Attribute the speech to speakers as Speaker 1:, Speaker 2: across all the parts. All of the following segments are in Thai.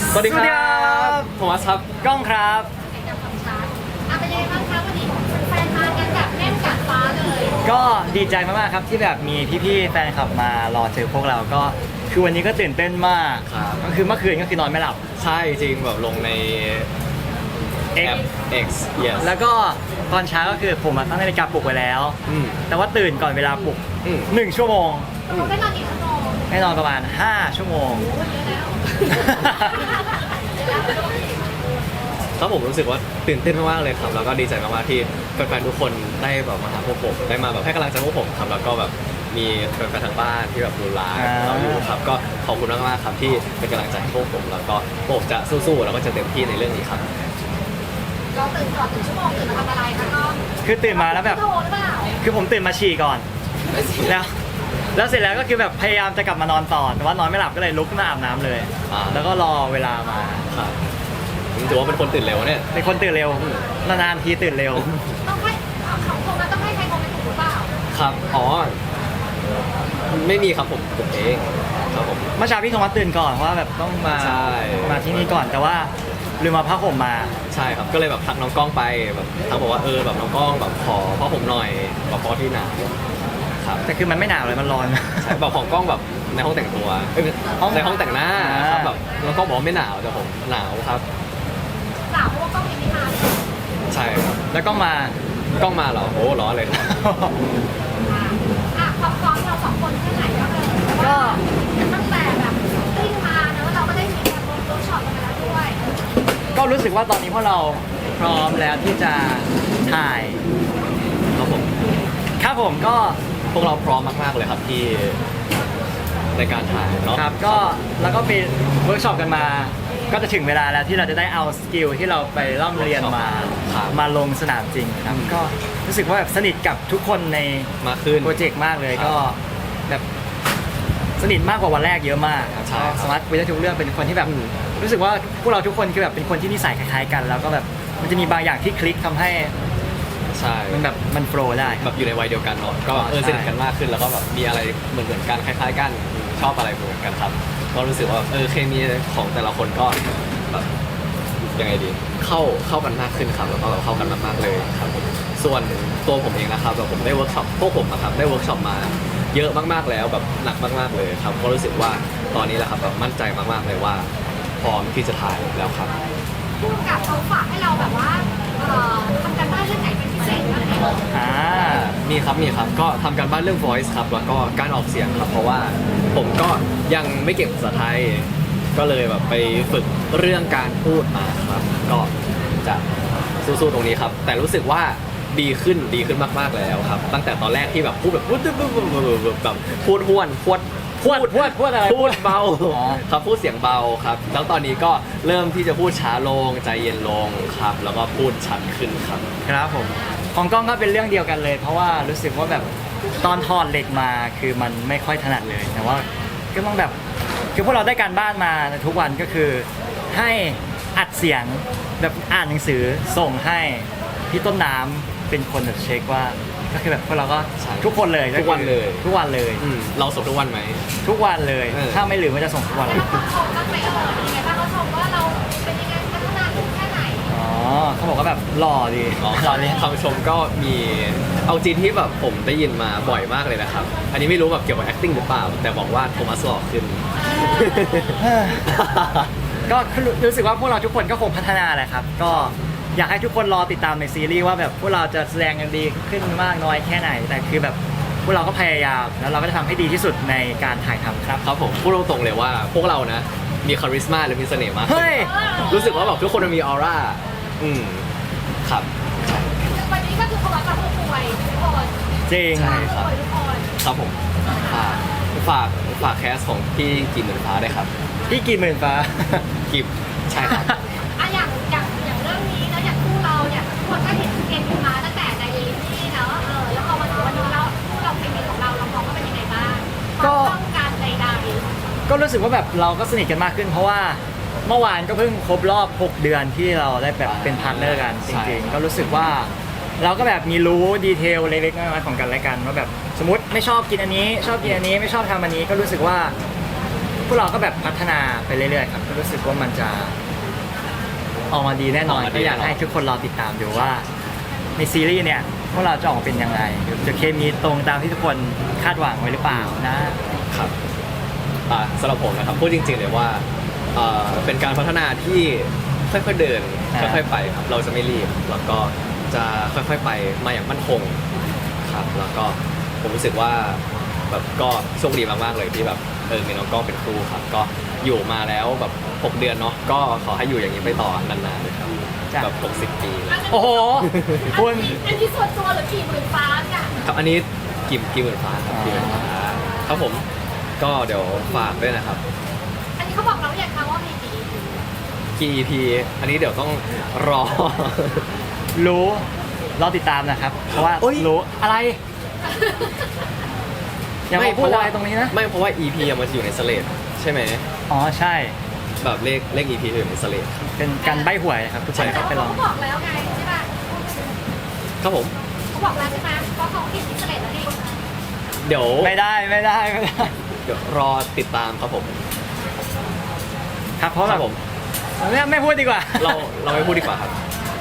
Speaker 1: สวัสดีครับโทมัสครับ
Speaker 2: กล้องครับ
Speaker 3: เป็นยังไงบ้างคะวันนี้แฟนมากันแบบแน่นกัดฟ้าเลย
Speaker 2: ก็ดีใจมากๆครับที่แบบมีพี่ๆแฟนคลับมารอเจอพวกเราก็คือวันนี้ก็ตื่นเต้นมากก็คือเมื่อคืนก็คือนอนไม่หลับ
Speaker 1: ใช่จริงแบบลงในแอป X yes
Speaker 2: แล้วก็ตอนเช้าก็คือผมตั้งนาฬิกาปลุกไว้แล้วแต่ว่าตื่นก่อนเวลาปลุก1 ชั่วโมง
Speaker 3: ได้นอนกี่ชั่วโมง
Speaker 2: ให้นอนประมาณ5 ชั่วโมง
Speaker 1: ครับผมรู้สึกว่าตื่นเต้นมากๆเลยครับแล้วก็ดีใจมากๆที่แฟนๆทุกคนได้แบบมาหาพวกผมได้มาแบบให้กำลังใจพวกผมครับแล้วก็แบบมีแฟนๆทางบ้านที่แบบดูไลฟ์เราอยู่ครับก็ขอบคุณมากๆครับที่เป็นกำลังใจให้พวกผมแล้วก็พวกผมจะสู้ๆแล้วก็จะเต็มที่ในเรื่องนี้ครับ
Speaker 3: เราตื่นก่อน1 ชั่วโมงตื่นมาทำอะไรคะน้อง
Speaker 2: คือตื่นมาแล้วแบบ
Speaker 3: โทรหรือเปล่า
Speaker 2: คือผมตื่นมาฉี่ก่อนแล้วเสร็จแล้วก็คือแบบพยายามจะกลับมานอนต่อแต่ว่านอนไม่หลับก็เลยลุกขึ้นมาอาบน้ำเลยแล้วก็รอเวลามา
Speaker 1: ครับถือว่าเป็นคนตื่นเร็วเนี่ย
Speaker 2: เป็นคนตื่นเร็วนานๆทีตื่นเร็ว
Speaker 3: ต้องให้ของโทรมาต้องให้ใครโทรไปถูกหรือเปล่า
Speaker 1: ครับอ๋อไม่มีครับผมเองครับผม
Speaker 2: เมื่อเช้าพี่โทมัสตื่นก่อนเพราะว่าแบบต้องมาที่นี่ก่อนแต่ว่าลืมมาผ้าห่มมา
Speaker 1: ใช่ครับก็เลยแบบทักน้องกล้องไปแบบทักบอกว่าแบบน้องกล้องแบบขอผ้าห่มหน่อยแบบพอที่หนาวครับ
Speaker 2: แต่คือมันไม่หนาวเลยมันร้อน
Speaker 1: ใช่แบบของกล้องแบบในห้องแต่งตัวในห้องแต่งหน้าครับแบบน้องกล้องบอกว่าไม่หนาวแต่ผมหนาวครับ
Speaker 3: หนาวเพราะว่ากล้องยังไม่มา
Speaker 1: ใช่ครับ
Speaker 2: แล้วกล้อง
Speaker 1: มาเหรอโอ้ร้อนเลยครับ
Speaker 3: ความพร้อมเรา2 คนแค่ไหนก็ตั้งแต่แบบติ้งมาเนอะเราก็ได้มีการเวิร์กช็อปกันมาแล้วด้วย
Speaker 2: ก็รู้สึกว่าตอนนี้พวกเราพร้อมแล้วที่จะถ่ายครับผมก็
Speaker 1: พวกเราพร้อมมากๆเลยครับที่ในการถ่ายเนาะ
Speaker 2: ครับก็แล้วก็ไปเวิร์กช็อปกันมาก็จะถึงเวลาแล้วที่เราจะได้เอาสกิลที่เราไปร่ำเรียนมาลงสนามจริงครับก็รู้สึกว่าแบบสนิทกับทุกคนใน
Speaker 1: มาขึ้น
Speaker 2: โปรเจกต์มากเลยก็แบบสนิทมากกว่าวันแรกเยอะมากครับสมาร์ทคุยได้ทุกเรื่องเป็นคนที่แบบรู้สึกว่าพวกเราทุกคนคือแบบเป็นคนที่นิสัยคล้ายๆกันแล้วก็แบบมันจะมีบางอย่างที่คลิกทำให้
Speaker 1: ใช่
Speaker 2: มันแบบมันโฟล์ได้
Speaker 1: แบบอยู่ในวัยเดียวกันเนาะก็สนิทกันมากขึ้นแล้วก็แบบมีอะไรเหมือนกันคล้ายๆกันชอบอะไรเหมือนกันครับก็รู้สึกว่าเคมีของแต่ละคนก็แบบยังไงดีเข้ากันมากขึ้นครับแล้วก็เข้ากันมากๆเลยครับส่วนตัวผมเองนะครับแบบผมได้เวิร์กช็อปพวกผมนะครับได้เวิร์กช็อปมาเยอะมากๆแล้วแบบหนักมากๆเลยครับก็รู้สึกว่าตอนนี้แหละครับแบบมั่นใจมากๆเลยว่าพร้อมที่จะถ่ายแล้วครับ
Speaker 3: ผู้กำกับเขาฝากให้เราแบบว่าทำการบ้านเรื่องไหนเป็นพิเศษบ้างไหม
Speaker 1: มีครับก็ทำการบ้านเรื่อง voice ครับแล้วก็การออกเสียงครับเพราะว่าผมก็ยังไม่เก่งภาษาไทยก็เลยแบบไปฝึกเรื่องการพูดมาครับก็จะสู้ๆตรงนี้ครับแต่รู้สึกว่าดีขึ้นมากๆแล้วครับตั้งแต่ตอนแรกที่แบบพูดแบบแบบพูดห้วนพูด
Speaker 2: อะไร
Speaker 1: พูดเบาครับพูดเสียงเบาครับแล้วตอนนี้ก็เริ่มที่จะพูดช้าลงใจเย็นลงครับแล้วก็พูดชัดขึ้นครับ
Speaker 2: ครับผมของกล้องก็เป็นเรื่องเดียวกันเลยเพราะว่ารู้สึกว่าแบบตอนถอดเหล็กมาคือมันไม่ค่อยถนัดเลยแต่ว่าก็ต้องแบบคือพวกเราได้การบ้านมาทุกวันก็คือให้อัดเสียงแบบอ่านหนังสือส่งให้พี่ต้นน้ำเป็นคนแบบเช็คว่าก็คือแบบพวกเราก็ทุกคนเลย
Speaker 1: ทุกวันเลย เราส่งทุกวันไหม
Speaker 2: ทุกวันเลยถ้าไม่ลืมก็จะส่งทุกวันเลย
Speaker 3: เขาชมก็ไปยังไงบ้างเขาชมว่าเราเป็นยังไงพัฒนาขึ้นแค่ไหน
Speaker 2: เขาบอกว่าแบบหล่อดี
Speaker 1: คำชมก็มีเอาจริงที่แบบผมได้ยินมาบ่อยมากเลยนะครับอันนี้ไม่รู้แบบเกี่ยวกับ acting หรือเปล่าแต่บอกว่าโทมัสหล่อขึ้น
Speaker 2: ก็รู้สึกว่าพวกเราทุกคนก็คงพัฒนาแหละครับก็อยากให้ทุกคนรอติดตามในซีรีส์ว่าแบบพวกเราจะแสดงกันดีขึ้นมากน้อยแค่ไหนแต่คือแบบพวกเราก็พยายามแล้วเราก็จะทำให้ดีที่สุดในการถ่ายทำครับ
Speaker 1: ผมพูดตรงๆเลยว่าพวกเรานะมีคาริสมาหรือมีเสน่ห์มากรู้สึกว่าแบบทุกคนมีออร่าครับ
Speaker 3: วันนี้ก็คือเขาแบบผู้ป่วยทุกคน
Speaker 2: จริง
Speaker 1: ใช่ครับผมฝากแคสของพี่กิมเหมือนฟ้าได้ครับ
Speaker 2: พี่กิมเหมือนฟ้า
Speaker 1: กิมใช่ครับ
Speaker 3: อย่างเรื่องนี้แล้วอย่างคู่เราเนี่ยคนก็เห็นเกมมาตั้งแต่ในลิซี่เนาะแล้วพอมาถึงวันนี้เราคู่เราเคมีของเรามองว่าเป็นยังไงบ้างก็ต้องการใดๆ
Speaker 2: ก็รู้สึกว่าแบบเราก็สนิทกันมากขึ้นเพราะว่าเมื่อวานก็เพิ่งครบรอบ6 เดือนที่เราได้แบบเป็นพาร์ทเนอร์กันจริงๆก็รู้สึกว่าเราก็แบบมีรู้ดีเทลเล็กๆน้อยๆของกันและกันว่าแบบสมมติไม่ชอบกินอันนี้ชอบกินอันนี้ไม่ชอบทำอันนี้ก็รู้สึกว่าวกเราก็แบบพัฒนาไปเรื่อยๆครับก็รู้สึกว่ามันจะออกมาดีแน่นอนก็อยากให้ทุกคนรอติดตามดูว่าในซีรีส์เนี่ยพวกเราจะออกมาเป็นยังไงจะเคมีตรงตามที่ทุกคนคาดหวังไว้หรือเปล่านะครับ
Speaker 1: สำหรับผมนะครับพูดจริงๆเลยว่าเป็นการพัฒนาที่ค่อยๆเดินค่อยๆไปครับเราจะไม่รีบแล้วก็จะค่อยๆไปมาอย่างมั่นคงครับแล้วก็ผมรู้สึกว่าแบบก็โชคดีมากๆเลยที่แบบมีน้องกล้องเป็นครูครับก็อยู่มาแล้วแบบ6 เดือนเนาะก็ขอให้อยู่อย่างนี้ไปต่อนานๆเลยครับแบบ60 ปีเลย
Speaker 2: โอ้โหคุณ
Speaker 3: อันนี้ส่วนตัวหรือกี่หมื่นฟ้าเนี่ย
Speaker 1: ครับอันนี้กี่หมื่นฟ้าครับกี่หมื่นฟ้าครับผมก็เดี๋ยวฝากด้วยนะครับ
Speaker 3: อันนี้เขาบอกเราอย่างคะว่ามีกี่
Speaker 1: กี่ EP อันนี้เดี๋ยวต้องรอ
Speaker 2: รู้รอติดตามนะครับเพราะว่า
Speaker 1: โอ๊ย
Speaker 2: รู้อะไรอย่ามาพูดอะไรตรงนี้นะ
Speaker 1: ไม่เพราะว่า EP อะมันจะอยู่ในสเลดใช่ไหม
Speaker 2: อ๋อใช่
Speaker 1: แบบเลข EP จะอยู่ในสเลด
Speaker 2: เป็นการใบ้หวยครับทุกคน
Speaker 1: ใช่
Speaker 2: ครับไปลอง
Speaker 3: เขาบอกแล้วไงใช่ป่ะ
Speaker 1: ครับผม
Speaker 3: เขาบอกแล้วใช่ไหมเพราะเขาเขียนที่เสลดแล้วนี่
Speaker 1: เดี๋ยว
Speaker 2: ไม่ได้
Speaker 1: เดี๋ยวรอติดตามครับผม
Speaker 2: ครับเพราะ
Speaker 1: ค
Speaker 2: แบ
Speaker 1: รับบ ผม
Speaker 2: ไม่พูดดีกว่า
Speaker 1: เราไม่พูดดีกว่าครับ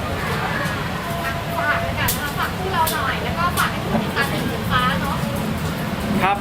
Speaker 3: ฝากด้วยกันนะคะฝากคู่เราหน่อยแล้วก็ฝากให้ทุกคนติดตามหมื่นฟ้าเนาะ
Speaker 2: ครับ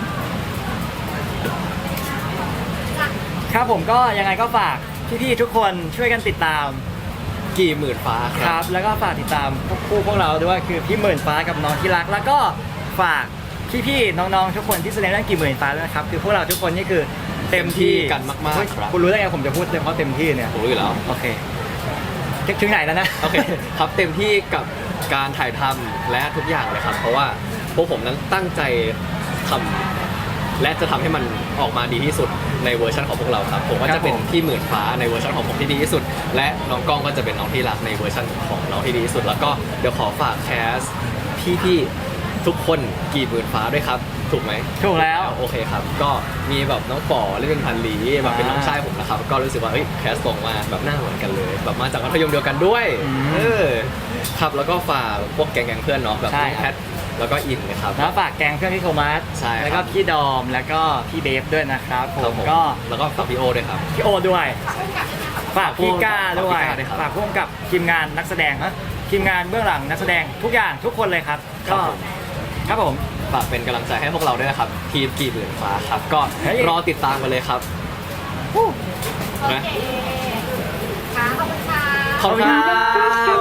Speaker 3: จ้ะ
Speaker 2: ครับผมก็ยังไงก็ฝากพี่ๆทุกคนช่วยกันติดตาม
Speaker 1: กี่หมื่นฟ้าค
Speaker 2: ค
Speaker 1: รั
Speaker 2: รับ บแล้วก็ฝากติดตามพวกเราด้วยคือพี่หมื่นฟ้ากับน้องที่รัก แล้วก็ฝากพี่ๆน้องๆทุกคนที่แสดงเรื่องกี่หมื่นฟ้าด้วยนะครับคือพวกเราทุกคนนี่คือเต็มที่
Speaker 1: กันมากๆครับ
Speaker 2: คุณรู้ได้ไงผมจะพูดเฉพาะเต็มที่เนี่ย
Speaker 1: ผมรู้อยู่แล้ว
Speaker 2: โอเคถึงไหนแล้วนะ
Speaker 1: โอเคครับเต็มที่กับการถ่ายทำและทุกอย่างเลยครับ เพราะว่าพวกผมนั้นตั้งใจทำและจะทำให้มันออกมาดีที่สุดในเวอร์ชันของพวกเราครับผมว่า
Speaker 2: ครั
Speaker 1: จะ
Speaker 2: บ
Speaker 1: เป็น
Speaker 2: ผม
Speaker 1: พี่หมื่นฟ้าในเวอร์ชันของผมที่ดีที่สุด และน้องกล้องก็จะเป็นน้องที่รักในเวอร์ชันของน้องที่ดีที่สุด แล้วก็เดี๋ยวขอฝากแคสพี่ๆทุกคนกี่หมื่นฟ้าด้วยครับถูกไหม
Speaker 2: ถูกแล้ว
Speaker 1: โอเคครับ ก็มีแบบน้องป๋อเล่นเป็นพันลีแบบเป็นน้องชายผมนะครับ ก็รู้สึกว่าเฮ้ยแคสตรงมากแบบหน้าเหมือนกันเลย แบบมาจากมัธยมเดียวกันด้วย
Speaker 2: อืม
Speaker 1: ครับแล้วก็ฝากพวกแก๊งๆเพื่อนเนาะแบบ
Speaker 2: ใช่
Speaker 1: พี่
Speaker 2: ครับ
Speaker 1: แพทแล้วก็อินนะครับ
Speaker 2: แล้วฝากแกงเพื่อนพี่โทมัส
Speaker 1: ใช่ครับ
Speaker 2: แล้วก็พี่ดอมแล้วก็พี่เบฟด้วยนะครับผ
Speaker 1: ครับ
Speaker 2: ม
Speaker 1: ผม
Speaker 2: ก็
Speaker 1: แล้วก็ฝากพี่โอด้วยครับ
Speaker 2: พี่โอด้วย
Speaker 3: ฝากคู่กับด้วยนะคะ
Speaker 2: ฝากพี่ก้าด้วย
Speaker 1: ฝากพี่ก้าด้วยครับ
Speaker 2: ฝากร่วมกับทีมงานนักแสดงฮะทีมงานเบื้องหลังนักแสดงทุกอย่างทุกคนเลยครับ
Speaker 1: ครั
Speaker 2: ก็
Speaker 1: บผม
Speaker 2: ครับผม
Speaker 1: ฝากเป็นกำลังใจให้พวกเราด้วยนะครับทีมกี่หมื่นฟ้าครับก็
Speaker 2: เฮ้ย
Speaker 1: รอติดตามกันเลยครับ
Speaker 3: โอเคค่ะขอบคุณค่ะ
Speaker 1: ขอบคุณครับ